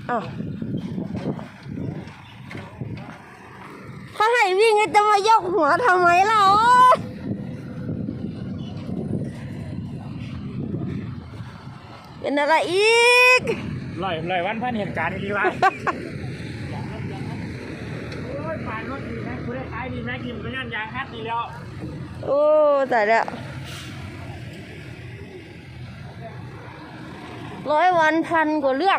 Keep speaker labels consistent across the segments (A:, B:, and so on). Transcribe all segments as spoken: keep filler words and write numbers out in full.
A: อ้าวเขาให้วิ่งจะมายกหัวทำไมเราเป็นอะไรอีก
B: ลอยลอยวันพันเหตุการณ์ดีวะโอ้ยผ่านรถดีนะคุณได้ขายดีแม็กกิมก็ยันยางฮัดดีแล้ว
A: โอ้แต่เด้อร้อยวันพันกว่าเรื่อง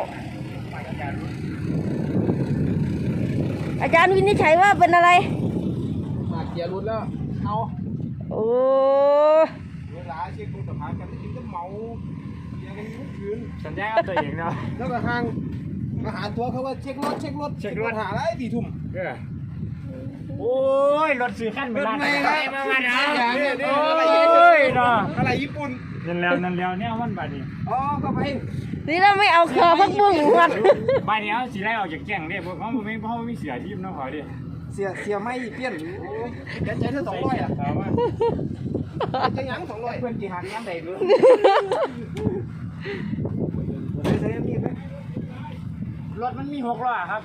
A: อาจารย์วินิจฉัยว่าเป็นอะไร
C: มาเกียร์รุดแล้วเอา
A: โอ้
C: เวลาเช็คคุณสภาพกันกินก็เมาเกียร์กันทุกคืน
B: สัญญากับตัวเองเนาะ
C: แล้วก็ทางมาหาตัวเขาว่าเช็ครถเช็ครถ
B: เช็ครถ
C: หาอะไรตีทุ่ม
B: โอ้ยรถซื้อขั้นไปร้านไหนมามาเนาะ
C: โอ้ยเนาะอะไรญี่ปุ่น
B: นั่นแล้วนั่นแล้วเนี่ยมันบาดนี้
C: อ๋อก็ไป
A: นี่เราไม่เอาเคอพักบุ้งมัน
B: บาดนี้เอาสีไรออกจากแก่งเนี่ยเพราะเขาไม่เพราะไม่เสียทีมน้องขอดิ
C: เสียเสียไม่เปลี่ยนจะใช้เท่าสองร้อยอ่ะจะยังสองร้อยเพื่อนกี่หันยังเด็กเลยใช้มีดไหม
B: รถมันมีหกล้อครับ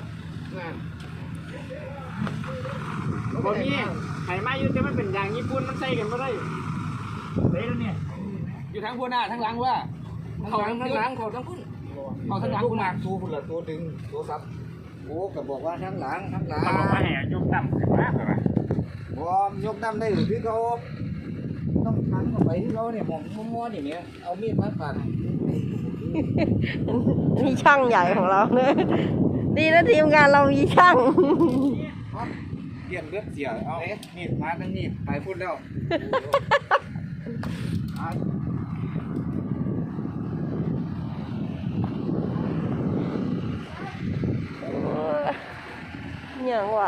B: บนนี้ไข่ไม้ยืดแต่มันเป็นยางญี่ปุ่นมันใส่กันไม่ได้เละแล้วเนี่ย
C: อยู่ทั้งหัวหน้าทั้งหลังว่าเขาทั้งหลังเขาทั้งพุ่นเขาทั้งหลังกูมากตัวพุ่นละตัวดึงตัวซับโอ้ก็บอกว่าทั้งหลังทั้งหลัง
B: มันบอกว่าแห่ยกตั้มขึ้นมาเหรอ
C: วะยกตั้มได้หรือพี่เขาต้องทันเข้าไปที่เราเนี่ยมองมัวๆอย่างเนี้ยเอามีดมาปาด
A: นี่ช่างใหญ่ของเราเนี่ยดีนะทีมงานเรามีช่าง
C: เปลี่ยนเลือดเสียเอาเอ๊ะมีดมาทั้งมีดไปพุ่นแล้ว
A: อย่างว่า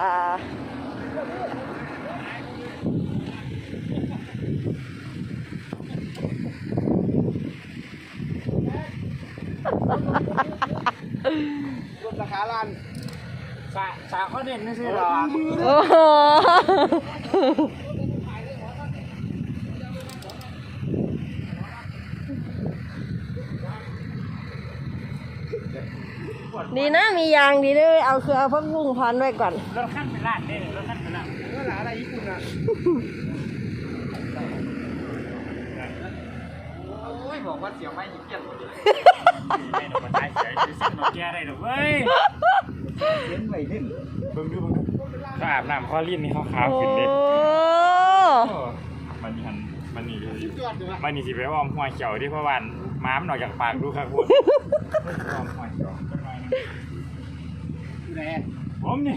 C: ลดราคาล้าน
B: สาสาเขาเด่นไม่ใช่หรอ
A: โอ้โหดีนะมียางดีด้วยเอาคือเอาพักบุ้งพันไว้ก่อน
B: รถขั้นเป็นล้านเนี่ยรถขั้นเป็นล้าน
C: ก็หลาอะไรญี่ปุ่นอ่ะโอ้ยบอกว่าเสียวไม่เกี่ยงหมดเลย
B: ไม่ต้องมาใช้เสียซื้อเส้นมาแก้ได้หรอกเว้ย
C: เส้นไม่ดิ้น
B: เบิ่งดูเบิ่งเขาอาบน้ำเขาลิ้นนี่เขาขาวขึ้นเลยมันนี่หันมันนี่มันนี่สิไปอ้อมหัวเขียวที่เพราะวันม้ามหน่อยจากปากดูครับคุณอ้อมหัวเขียว
C: แน่
B: ผมนี่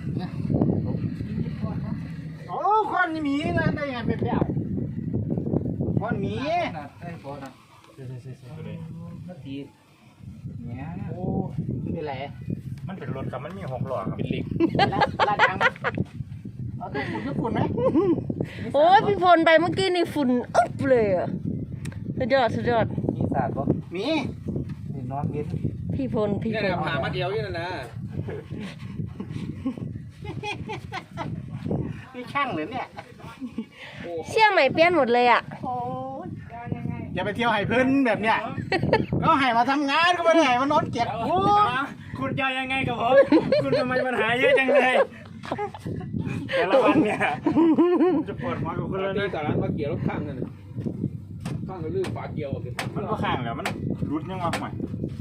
C: โอ้คนนี่มีนะได้ไงเป็นเดี่ยวคนมีได้พอนะ
B: ใช่ใช่ใช่ใช่เลย
C: นาทีเนี่ยโอ้เป็นไร
B: มันเป็นรถครับมันมีหกล้อครับเป็นลิง
C: ลาดยางเอาตัวฝุ่นญี่ปุ่นไหม
A: โอ้ยพี่ฝนไปเมื่อกี้นี่ฝุ่นอึ๊บเลยอ่ะสุดยอดสุดยอด
C: มีสาดปะมีนี่นอนเย็น
A: พี่พลพี่พล
C: หามาเดียวนี่นะนะนี่ช่างเลยเนี่ย
A: เชี่ยใหม่เปลี่ยนหมดเลยอ่ะ
C: อย่าไปเที่ยวไห่พื้นแบบเนี้ยก็ไห่มาทำงานก็ไม่ได้ไห่มานอนเก็บ
B: คุณจะยังไงกับผมคุณทำไมปัญหาเยอะจังเลยแต่ละวันเนี่ยจะปวดหัวกับคุณแล้วนะ
C: แต่ละมาเกี่ยวรถข้างนั่นข้างก็ลื่นฝาเกี่ยว
B: มันก็ข้างแล้วมันรุดยังมาใหม่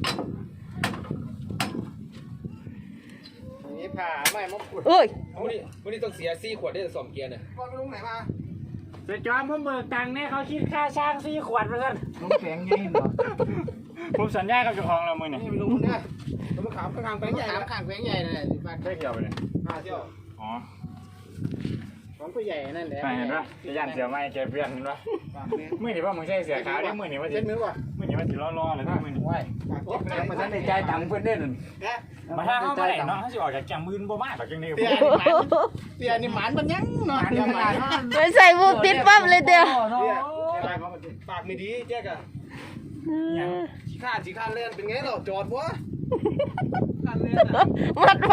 C: นี่ผ่าไม่มาขุด
A: เอ้ย
C: วันนี้วันนี้ต้องเสียซี่ขวดได้สองเกียร์เนี่ยบอลไปลงไหนมา
B: เสร็จจอมผมเบิกตังค์เนี่ยเขาคิดค่าช่างซี่ขวดเหมือนกัน
C: ลงแข็งยัยเหรอ
B: ผมสัญญากับเจ้าของเราเมื่อเนี่ย
C: นี่ไปลงเนี่ยลงขามข้างแข็งใหญ่ข้างแข็งใหญ่นั่นแหละ
B: ได้เกี่ยวไปเลย
C: ห้าเที่ยว
B: อ๋อ
C: ของตัวใหญ่นั่นแหละ
B: เห็นปะจะยันเสือไม้แกเปลี่ยนเห็นปะเมื่อไหร่ว่ามึงใช่เสือขาวได้เมื่อไหร่ว่าจะเมื่อไหร่ว่าจะล่อๆเลยนะเมื่อไหร่
C: ว้ายมาท่านในใจตังเพื่อนเด่น
B: มาถ้าเขาไม่ได้เนาะเขาจะออกจากแกมืนบ่มากหรอกจังเลย
C: เตี้ยนี่หมันมันยังเนาะ
A: ไปใส่บุกติดปั๊บเลยเดียว
C: ปากไม่ดีแจ๊กอะขี้ข้าขี้ข้าเล่นเป็นไงเราจอดวะข้าเล่น
A: มัดไฟ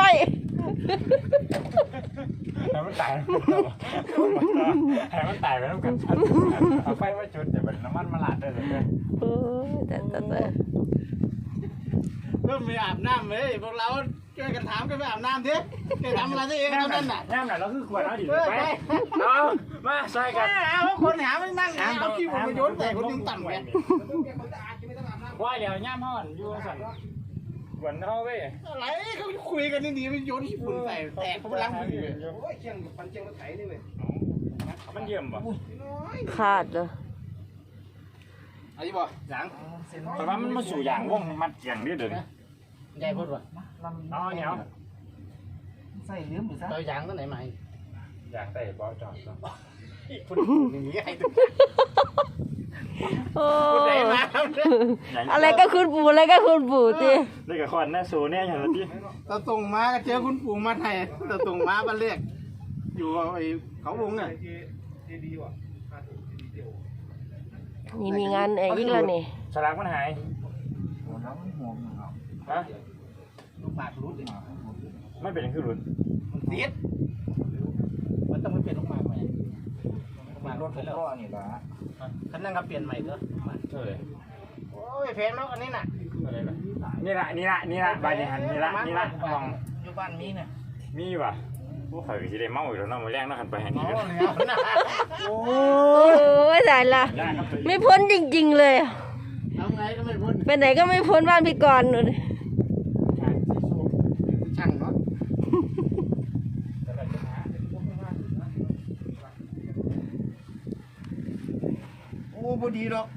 B: ให้มันตายให้มันตายไปแล้วกันเอาไฟไว้จุดแต่แบบน้ำมันมาลาดได้เลย
A: โอ้แต่แต่แต่
C: เออไม่อาบน้ำเลยพวกเราช่วยกันถามกันไปอาบน้ำดิแกทำอะไรตัวเองเท่านั้นน่ะ
B: ย่ำหน่ะเราคือขวดเอาดิไปเอามาใส่กัน
C: เอาคนหาไม่นั่งเอาขี้ผมมาโยนใส่คนยังต่ำแก
B: ว่าเดี๋ยวย่ำห่อนอยู่สั่นขวดเอาเว้ย
C: อะไรเขาคุยกันดีๆไม่โยนขี้ฝุ่นใส่แตกเขาไปล้างมือเลย
B: มันเยี่ยมป่ะ
A: ขาดเลย
C: ไอ้บ่หลัง
B: แต่ว่ามันมาสู่อย่างว่องมัดเกียงนี่เด้อ
C: ใหญ่พูดว่า
B: เอาเหนียว
C: ใส่ลืมหรือซะเรายางตัวไหนมา
B: อยากใส่บอจอด
C: คุณอย่างนี้ให้ตัว
A: โอ้
C: ไหนมา
A: อะไรก็คุณปู่อะไรก็คุณปู่สิ
B: นี่กับคอนน่าสูเนี่ยอย่างที่
C: ตะตรงมาก็เจอคุณปู่มาไทยตะตรงมาบ้านเรียกอยู่ไอ้เขาวงน่ะ
A: นี่มีงานเอกอีกแล้วนี่
B: สลากมันหายฮะ
C: ลูกหมากรุดเลย
B: ไม่เป็นคือรุ่น
C: มันติดมันต้องไปเปลี่ยนลูกหมากใหม่ลูกหมากรถไปแล้วนี่ละคันนั่งก็เปลี่ยนใหม่เถอะ
B: เท่าไหร่
C: โอ้ยเพนแล้วอันนี้น่ะ
B: เท่าไหร่ล่ะนี่ละนี่ละนี่ละใบนี่หันนี่ละนี่ละมอง
C: อยู่บ้านมีน่ะ
B: มีว่ะผู้ข่อยสิได้เมาอีกแล้วเนาะมื้อแรงเนาะหันไปหัน
C: อ๋
B: นี่
C: อ
B: เด้อ
C: แล้วน่ะ
A: โอ้ยตายละไม่พ้นจริงๆเลย
C: เอาไงก็ไม่พ้น
A: ไปไหนก็ไม่พ้นบ้านพี่กรณ์นู่น
C: ช่างเนาะโอ้พอดีหรอก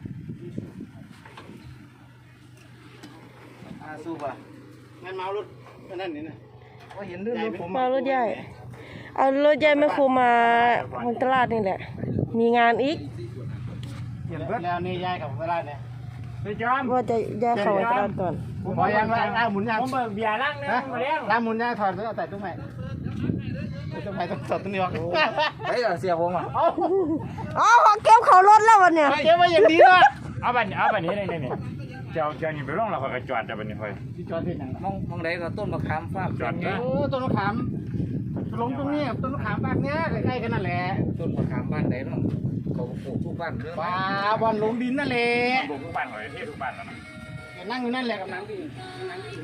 C: อาสู้ป่ะงั้นเมารถนั่นนี่นะว่าเห็นเรื่องรถผม
A: มารถใหญ่เอารถใหญ่ไม่ครูมาทางตลาดนี่แหละ มีงานอีก
C: เปลี่ยนรถแล้วนี่ยายกับเวลาเนี่ย
B: ไปจอม
A: ว่าจะย้ายเข้าไปตลาดก่อน
C: ผมบอกยังว่าอ้าหมุนยัง
B: ผมเบิกเบียร์ลังนึงมาแล้ว
C: ล้างหมุนยังถอดแล้วเอาใส่ตู้ใหม่ตู้ใหม่ต้องถอดตู้นี้ออก
B: เฮ้ยเสียผมอ่ะ
C: เอา
A: อ๋อเขาเก็บเขารถแล้ววันเนี่ย
C: เก็บไว้อย่างดีเนาะ
B: เอาบัดนี้เอาบัดนี้ได้นี่เจ้าเจ้านี่ไปลงแล้วข่อยก็จอดแต่บัดนี้ข่อย
C: ที่จอดที่ไหน
D: มองมองใดก็ต้นมะขามฟาด
B: จอด
C: โอ้ต้นมะขามลงตรงนี้ต้นมะขามบ้านเนี้ยใกล้ๆกันนั่นแหละ
D: ต้นมะขามบ้านใดเนาะเขาปลูกทุกบ้านเรื่อง
C: ว้าบอลลงดินนั่นแหละ
B: บุกทุกบ้านข่อยที่ทุกบ้านแล้วนะ
C: นั่งอยู่นั่นแหละกับนังพี่